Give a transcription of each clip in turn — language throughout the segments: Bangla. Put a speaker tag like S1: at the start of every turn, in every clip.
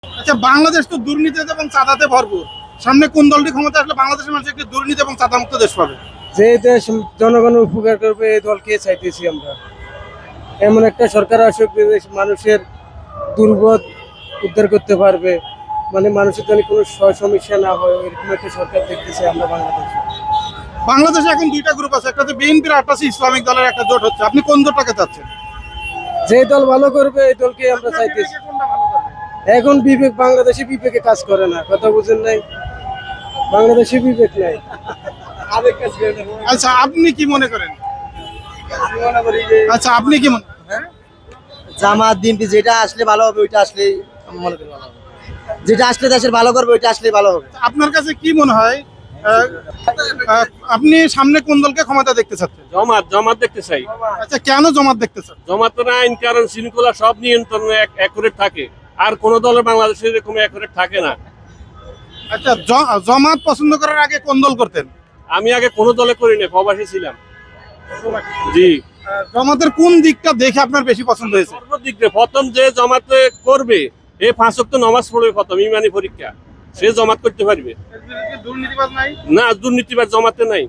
S1: আচ্ছা, বাংলাদেশ তো দুর্নীতিতে এবং চাঁদাতে ভরপুর। সামনে কোন দলটি ক্ষমতা আসলে বাংলাদেশের মানুষ একটি দুর্নীতি এবং চাঁদামুক্ত দেশ পাবে?
S2: যে দেশ জনগণের উপকার করবে এই দলকে চাইতেছি আমরা। এমন একটা সরকার আসুক যে দেশ মানুষের দুর্ভোগ উদ্ধার করতে পারবে, মানে মানুষের জন্য কোনো সমস্যা না হয়, এরকম একটা সরকার দেখতেছি আমরা বাংলাদেশে।
S1: বাংলাদেশে এখন দুইটা গ্রুপ আছে, একটা হচ্ছে বিএনপির, একটা হচ্ছে ইসলামিক দলের একটা জোট হচ্ছে। আপনি কোন জোটটাকে চাচ্ছেন?
S2: যে দল ভালো করবে এই দলকে আমরা চাইতেছি। এখন বিবেক, বাংলাদেশে বিবেকে কাজ করে না, কথা বুঝেন নাই? বাংলাদেশে বিবেক নাই।
S1: আচ্ছা, আপনি কি মনে করেন? আচ্ছা, আপনি কি মনে
S3: জামাত বিএনপি যেটা আসলে ভালো হবে ওইটা আসলেই আমি মনে করি ভালো হবে। যেটা আসলে দেশের ভালো করবে ওইটা আসলেই ভালো হবে।
S1: আপনার কাছে কি মনে হয় আপনি সামনে কোন দলকে ক্ষমতা দেখতে চাচ্ছেন?
S4: জমাত দেখতে চাই।
S1: আচ্ছা, কেন জমাত দেখতে চান?
S4: জমাতের আইন কারণ শৃঙ্খলা সব নিয়ন্ত্রণে অ্যাকুরেট থাকে, আর কোন দলের বাংলাদেশে এরকম অ্যাকুরেট থাকে না।
S1: আচ্ছা, জমাত পছন্দ করার আগে কোন দল করতেন?
S4: আমি আগে কোনো দলে করি না, প্রবাসী ছিলাম। জি,
S1: জমাতের কোন দিকটা দেখে আপনার বেশি পছন্দ হয়েছে?
S4: সর্বদিক দিয়ে প্রথম যে জমাতে করবে, এই 5 ওয়াক্ত নামাজ পড়বে প্রথম, ইমানি পরীক্ষা, সে জমাত করতে পারবে
S1: দুর্নীতিবাজ নাই?
S4: না। দুর্নীতিবাদ জমাতে নাই।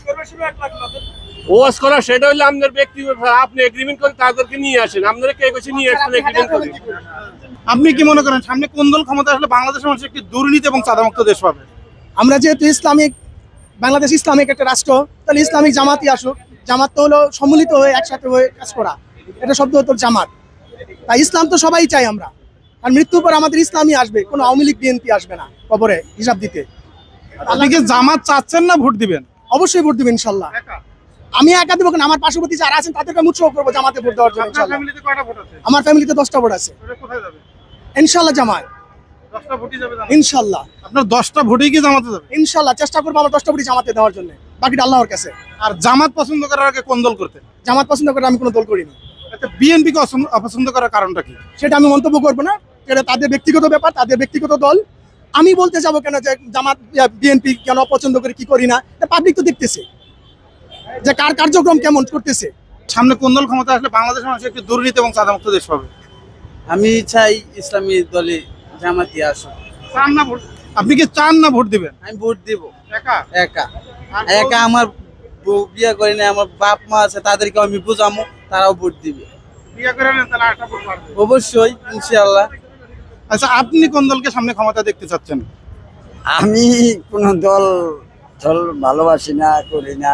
S4: ওয়াজ করা সেটা হলে আপনার ব্যক্তিগত, আপনি এগ্রিমেন্ট করে তাদেরকে নিয়ে আসেন। আপনারা কে কইছে নিয়ে আসেন এগ্রিমেন্ট করে?
S1: আপনি কি মনে করেন সামনে কোন দল ক্ষমতা আসলে বাংলাদেশের মানুষ একটি দুর্নীতি এবং চাঁদামুক্ত দেশ পাবে?
S5: আমরা যেহেতু ইসলামিক, বাংলাদেশ ইসলামিক একটা রাষ্ট্র, তাহলে ইসলামিক জামাতই আসুক। জামাত তো হলো সম্মিলিত হয়ে একসাথে হয়ে কাজ করা, এটা শব্দ হতো জামাত। তাই ইসলাম তো সবাই চাই আমরা, আর মৃত্যুর পর আমাদের ইসলামই আসবে, কোনো আওয়ামী লীগ বিএনপি আসবে না কবরে হিসাব দিতে।
S1: আপনি কি জামাত চাচ্ছেন না ভোট দিবেন?
S5: অবশ্যই ভোট দিবেন ইনশাল্লাহ। আমি একা দেবো কেন, আমার পার্শ্ববর্তী যারা আছেন তাদেরকে আমি উৎসাহ করবো জামাতে ভোট দেওয়ার জন্য ইনশাল্লাহ। আমার ফ্যামিলিতে 10টা ভোট আছে ইনশাল্লাহ। জামাত ইনশাল্লাহ।
S1: আপনার 10টা ভোটেই কি জামাতে যাবে?
S5: ইনশাল্লাহ চেষ্টা করবো আমার 10টা ভোটই জামাতে দেওয়ার জন্য, বাকিটা আল্লাহর কাছে।
S1: আর জামাত পছন্দ করার আগে কোন দল করতেন?
S5: জামাত পছন্দ করে আমি কোনো দল করিনি।
S1: আচ্ছা, বিএনপি কে অপছন্দ করার কারণটা কি?
S5: সেটা আমি মন্তব্য করবো না, সেটা তাদের ব্যক্তিগত ব্যাপার, তাদের ব্যক্তিগত দল। আমি বলতে যাবো কেন যে জামাত বিএনপি কেন অপছন্দ করে কি করি না, পাবলিক তো দেখতেছে যে কার কার্যক্রম কেমন করতেছে।
S1: সামনে কোন দল ক্ষমতা আসলে বাংলাদেশের মানুষ একটি দুর্নীতি এবং চাঁদামুক্ত দেশ পাবে?
S3: আমি চাই ইসলামী দলে জামাতি আসুক।
S1: চান না ভোট? আপনি কি চান না ভোট দিবেন?
S3: আমি ভোট দিব
S1: একা?
S3: একা। একা আমার বিয়ে করি না, আমার বাপ মা আছে, তাদেরকে আমি বুঝামো, তারাও ভোট দিবে।
S1: বিয়ে করে নেন তাহলে একটা ভোট পারবে।
S3: অবশ্যই ইনশাআল্লাহ।
S1: আচ্ছা, আপনি কোন দলকে সামনে ক্ষমতা দেখতে চাচ্ছেন?
S6: আমি কোনো দল ভালোবাসি না, করি না।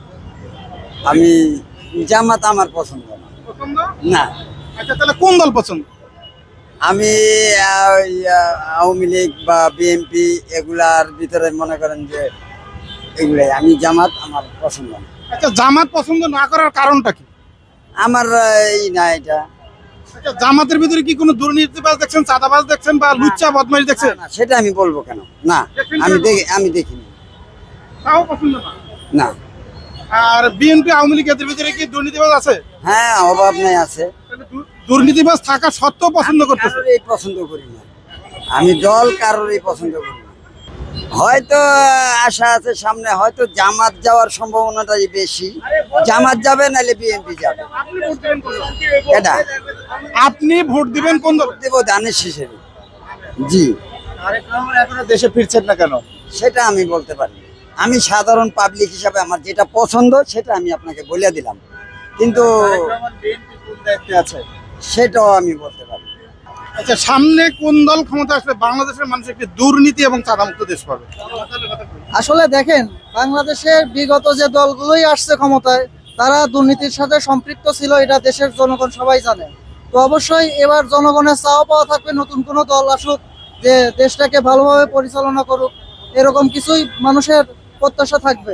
S6: আমি জামাত আমার পছন্দ না।
S1: পছন্দ
S6: না,
S1: আচ্ছা, তাহলে কোন দল পছন্দ?
S6: আমি আওয়ামী লীগ বা বিএনপি এগুলার ভিতরে মনে করেন যে এগুলাই। আমি জামাত আমার পছন্দ না।
S1: আচ্ছা, জামাত পছন্দ না করার কারণটা কি?
S6: আমার এই না এটা।
S1: আচ্ছা, জামাতের ভিতরে কি কোনো দুর্নীতিবাজ দেখছেন, চাঁদাবাজ দেখছেন বা লুচ্চা বদমাইশ দেখছেন?
S6: না, সেটা আমি বলবো কেন? না, আমি দেখিনি।
S1: তাও পছন্দ না?
S6: না।
S1: আর বিএনপি আওয়ামী লীগ এদের ভিতরে কি দুর্নীতিবাজ আছে?
S6: হ্যাঁ, অভাব নাই, আছে।
S1: দুর্নীতিবাজ থাকা সত্ত্বেও পছন্দ করতেছে?
S6: কারোরই পছন্দ করি না আমি, দল কারোরই পছন্দ করি না। হয়তো আশা আছে সামনে, হয়তো জামাত যাওয়ার সম্ভাবনাটাই বেশি। জামাত যাবে, নাহলে বিএনপি যাবে। এটা
S1: আপনি ভোট দিবেন কোন দল?
S6: দেব দানের হিসেবে। জি।
S3: এখনো দেশে ফিরছেন না কেন?
S6: সেটা আমি বলতে পারি না। আমি সাধারণ পাবলিক হিসাবে আমার যেটা পছন্দ সেটা আমি আপনাকে বলে দিলাম, কিন্তু
S3: আছে
S6: সেটাও আমি বলতে পারি না।
S1: আচ্ছা, সামনে কোন দল ক্ষমতা আসলে বাংলাদেশের মানুষ একটি দুর্নীতি এবং চাঁদামুক্ত দেশ পাবে?
S5: আসলে দেখেন, বাংলাদেশের বিগত যে দলগুলোই আসছে ক্ষমতায়, তারা দুর্নীতির সাথে সম্পৃক্ত ছিল, এটা দেশের জনগণ সবাই জানে। তো অবশ্যই এবার জনগণের চাওয়া পাওয়া থাকবে নতুন কোনো দল আসুক, যে দেশটাকে ভালোভাবে পরিচালনা করুক, এরকম কিছুই মানুষের প্রত্যাশা থাকবে।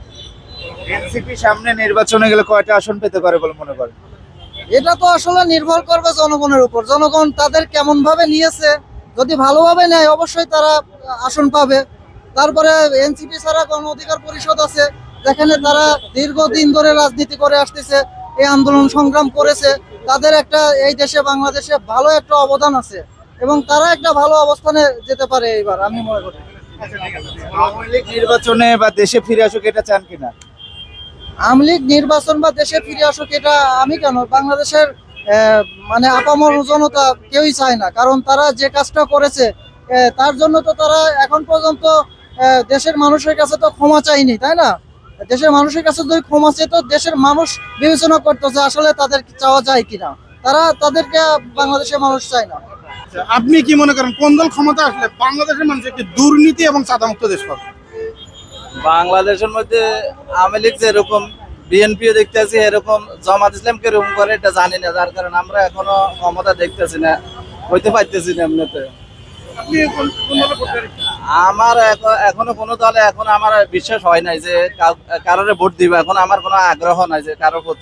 S3: এনসিপি সামনে নির্বাচনে গেলে কয়টা আসন পেতে পারে বলে মনে করেন?
S5: এটা তো আসলে নির্ভর করবে জনগণের উপর, জনগণ তাদের কেমন ভাবে নিয়েছে। যদি ভালোভাবে নেয় অবশ্যই তারা আসন পাবে। তারপরে এনসিপি ছাড়া গণ অধিকার পরিষদ আছে, যেখানে তারা দীর্ঘদিন ধরে রাজনীতি করে আসতেছে, এই আন্দোলন সংগ্রাম করেছে, তাদের একটা এই দেশে বাংলাদেশে ভালো একটা অবদান আছে এবং তারা একটা ভালো অবস্থানে যেতে পারে এবার, আমি মনে করি।
S3: আওয়ামী লীগ নির্বাচনে বা দেশে ফিরে আসুক, এটা চান কিনা?
S5: আওয়ামী লীগ নির্বাচন বা দেশে ফিরে আসুক, এটা আমি কেন, বাংলাদেশের মানে আপামর জনতা কেউই চায় না, কারণ তারা যে কাজটা করেছে তার জন্য তো তারা এখন পর্যন্ত দেশের মানুষের কাছে তো ক্ষমা চায়নি, তাই না? দেশের মানুষের কাছে যদি ক্ষমা চেয়ে তো দেশের মানুষ বিবেচনা করতেছে আসলে তাদের চাওয়া যায় কিনা, তাদেরকে বাংলাদেশের মানুষ চায় না।
S1: আপনি কি মনে করেন কোন দল ক্ষমতা আসলে বাংলাদেশের মানুষ একটি দুর্নীতি এবং চাঁদামুক্ত দেশ পাবে?
S3: বাংলাদেশের মধ্যে আওয়ামী লীগ যেরকম, বিএনপিও দেখতেছি এরকম, জামাত ইসলাম কিরকম করে এটা জানি না, যার কারণে আমরা এখনো ক্ষমতা দেখতেছি না, হইতে পারতেছি না এমনিতে।
S1: আপনি কোন দলে ভোট দেবেন?
S3: আমার এখনো কোনো দলে এখন আমার বিশ্বাস হয় নাই যে কারোর ভোট দিব, এখন আমার কোনো আগ্রহ নাই যে কারোর প্রতি।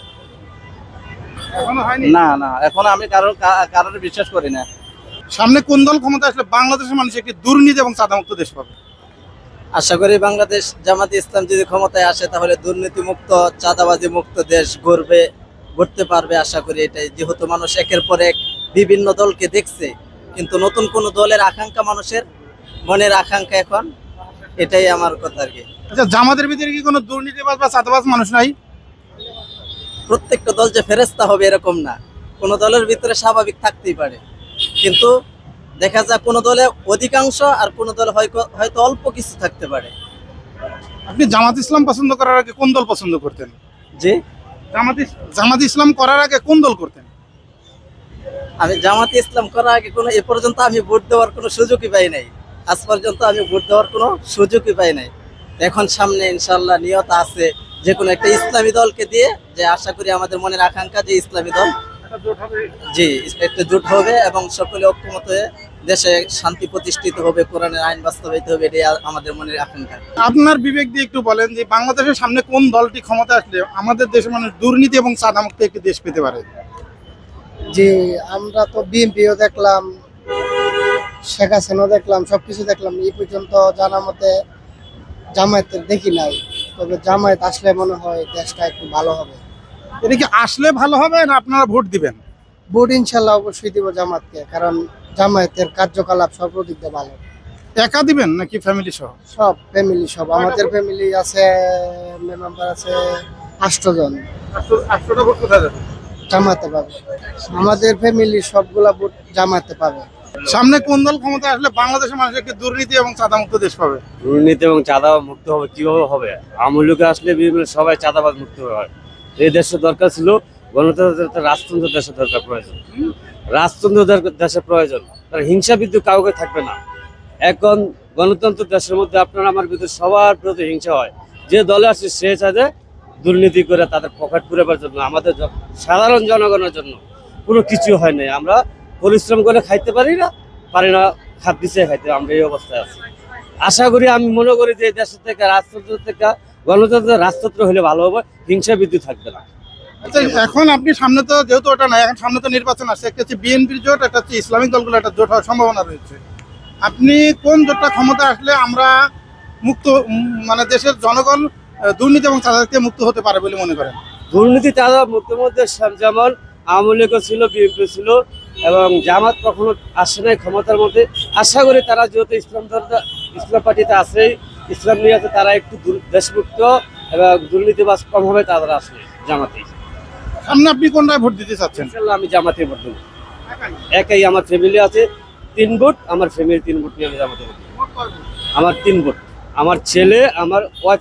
S1: এখনো হয়নি।
S3: না না, এখন আমি কারোর বিশ্বাস করি না।
S1: সামনে কোন দল ক্ষমতা আসলে বাংলাদেশের মানুষ একটি দুর্নীতি এবং চাঁদামুক্ত দেশ পাবে?
S3: আশা করি বাংলাদেশ জামাতে ইসলাম যদি ক্ষমতায় আসে তাহলে দুর্নীতি মুক্ত, চাঁদাবাজি মুক্ত দেশ গড়তে পারবে আশা করি এটাই। যেহেতু মানুষ একের পর এক বিভিন্ন দলকে দেখছে, কিন্তু নতুন কোন দলের আকাঙ্ক্ষা, মানুষের মনের আকাঙ্ক্ষা এখন এটাই আমার কথা আর কি।
S1: আচ্ছা, জামাতের ভিতরে কি কোনো দুর্নীতিবাজ বা চাঁদাবাজ মানুষ নাই?
S3: প্রত্যেকটা দল যে ফেরেস্তা হবে এরকম না, কোন দলের ভিতরে স্বাভাবিক থাকতেই পারে, কিন্তু দেখা যায় কোন দলে অধিকাংশ আর কোন দলে হয়তো অল্প কিছু থাকতে পারে।
S1: আপনি জামাত ইসলাম পছন্দ করার আগে কোন দল পছন্দ করতেন?
S3: যে
S1: জামাত ইসলাম করার আগে কোন দল করতেন?
S3: আমি জামাতে ইসলাম করার আগে এ পর্যন্ত আমি ভোট দেওয়ার কোনো সুযোগই পাই নাই, আজ পর্যন্ত আমি ভোট দেওয়ার কোনো সুযোগই পাই নাই। এখন সামনে ইনশাল্লাহ নিয়ত আছে যে কোনো একটা ইসলামী দলকে দিয়ে, যে আশা করি আমাদের মনের আকাঙ্ক্ষা যে ইসলামী দল জি একটা জোট হবে এবং সকলে ঐক্যমত হয়ে দেশে শান্তি প্রতিষ্ঠিত হবে, কোরআনের আইন বাস্তবায়িত হবে, এটাই আমাদের মনের আকাঙ্ক্ষা।
S1: আপনার বিবেক দিয়ে একটু বলেন যে বাংলাদেশের সামনে কোন দলটি ক্ষমতা আসলে আমাদের দেশের মানুষ দুর্নীতি এবং চাঁদামুক্ত একটি দেশ পেতে পারে?
S2: যে আমরা তো বিএনপিও দেখলাম, শেখ হাসিনাও দেখলাম, সবকিছু দেখলাম, এই পর্যন্ত জানা মতে জামায়াতের দেখি নাই। তবে জামায়াত আসলে মনে হয় দেশটা একটু ভালো হবে।
S1: এটা কি আসলে ভালো হবে না আপনারা ভোট দিবেন?
S2: ভোট ইনশাল্লাহ অবশ্যই দিব জামাতকে, কারণ জামায়াতের কার্যকলাপ সর্বদিক দিয়ে ভালো।
S1: একা দিবেন নাকি ফ্যামিলি সহ?
S2: সব ফ্যামিলি, সব আমাদের ফ্যামিলি আছে, মেম্বার আছে 8 জন,
S1: 8টা ভোট কোথায় যাবে?
S2: জামাতে পাবে। আমাদের ফ্যামিলি সবগুলা ভোট জামাতে পাবে।
S1: সামনে কোন দল ক্ষমতা আসলে বাংলাদেশের মানুষ একটি দুর্নীতি এবং চাঁদামুক্ত দেশ পাবে?
S7: দুর্নীতি এবং চাঁদাবাজ মুক্ত হবে কিভাবে হবে? আওয়ামী লীগ আসলে সবাই চাঁদাবাজ মুক্ত হয়। এই দেশের দরকার ছিল গণতন্ত্র, রাজতন্ত্র দেশের দরকার প্রয়োজন, রাজতন্ত্র দেশের প্রয়োজন, তার হিংসা বিদ্যুৎ কাউকে থাকবে না। এখন গণতন্ত্র দেশের মধ্যে আপনার আমার ভিতরে সবার প্রতি হিংসা হয়, যে দলে আসছে সে চাঁদে দুর্নীতি করে তাদের পকেট পুরাবার জন্য, আমাদের সাধারণ জনগণের জন্য কোনো কিছু হয় নাই। আমরা পরিশ্রম করে খাইতে পারি না, খাত পিছিয়ে খাইতে, আমরা এই অবস্থায় আছি। আশা করি, আমি মনে করি যে দেশের থেকে রাজতন্ত্র থেকে গণতন্ত্র, রাজতন্ত্র হলে ভালো হবে, হিংসা বিদ্যুৎ থাকবে না।
S1: আচ্ছা, এখন আপনি সামনে তো যেহেতু ওটা নাই, এখন সামনে তো নির্বাচন আসছে, একটা হচ্ছে বিএনপির জোট, একটা হচ্ছে ইসলামিক দলগুলো একটা জোট হওয়ার সম্ভাবনা রয়েছে। আপনি কোন জোটটা ক্ষমতা আসলে আমরা মুক্ত, মানে দেশের জনগণ দুর্নীতি এবং চাঁদা থেকে মুক্ত হতে পারে বলে মনে করেন?
S7: দুর্নীতি চাঁদা মুক্তের মধ্যে যেমন আওয়ামী লীগও ছিল, বিএনপি ছিল, এবং জামাত কখনো আসে নাই ক্ষমতার মধ্যে। আশা করি তারা যেহেতু ইসলাম পার্টিতে আছেই, ইসলাম নিয়ে আছে, তারা একটু দেশমুক্ত এবং দুর্নীতিবাজ কম হবে, তারা আসলে জামাতে।
S1: সামনে আপনি কোনটায় ভোট দিতে চাচ্ছেন?
S7: ইনশাল্লাহ আমি জামাতে ভোট দেবো। একাই, আমার ফ্যামিলি আছে 3 ভোট, আমার ফ্যামিলি 3 ভোট নিয়ে আমি জামাতে ভোট দেবো। আমার 3 ভোট, আমার ছেলে, আমার ওয়াইফ,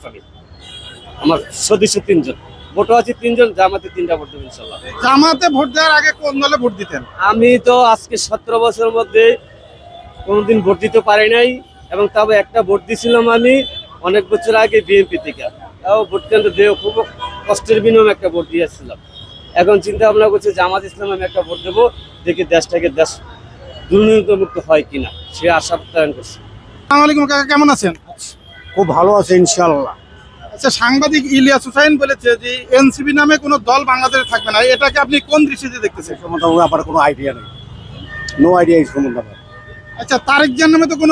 S7: আমার সদস্য 3 জন, ভোটও আছে 3 জন, জামাতে 3টা ভোট দেবো ইনশাল্লাহ।
S1: জামাতে ভোট দেওয়ার আগে কোন দলে ভোট দিতেন?
S7: আমি তো আজকে 17 বছরের মধ্যে কোনোদিন ভোট দিতে পারি নাই, এবং তবে একটা ভোট দিয়েছিলাম আমি অনেক বছর আগে বিএনপি থেকে, তাও ভোট কেন্দ্র দিয়ে খুব কষ্টের বিনিময়ে একটা ভোট দিয়েছিলাম। এখন চিন্তা ভাবনা করছি জামাত ইসলাম আমি একটা ভোট দেবো, দেখি দেশটাকে দুর্নীতিমুক্ত হয় কিনা, সে আশা প্রত্যয়ন করছি।
S1: আসসালামু আলাইকুম কাকা, কেমন আছেন?
S8: খুব ভালো আছে ইনশাআল্লাহ।
S1: আচ্ছা, সাংবাদিক ইলিয়াস হুসাইন বলেছে যে এনসিপি নামে কোনো দল বাংলাদেশে থাকবে না, এটাকে আপনি কোন দৃষ্টিতে দেখতেছেন?
S8: সম্বন্ধে আমার কোনো আইডিয়া নেই, নো আইডিয়া এই সম্বন্ধে আমার।
S1: আচ্ছা, তারেক জিয়ার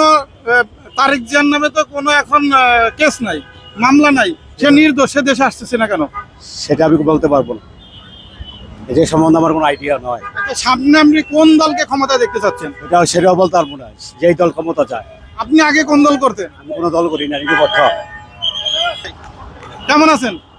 S1: নামে তো কোনো এখন কেস নাই, মামলা নাই, সে নির্দোষ, সে দেশে আসতেছে না কেন?
S8: সেটা আমি বলতে পারবো না, যে সম্বন্ধে আমার কোনো আইডিয়া নয়।
S1: আচ্ছা, সামনে আপনি কোন দলকে ক্ষমতা দেখতে চাচ্ছেন?
S8: সেটাও বলতে পারবো না, যেই দল ক্ষমতা চায়।
S1: আপনি আগে কোন দল করতেন?
S8: আমি কোনো দল করি না, নিরপেক্ষ।
S1: কেমন আছেন?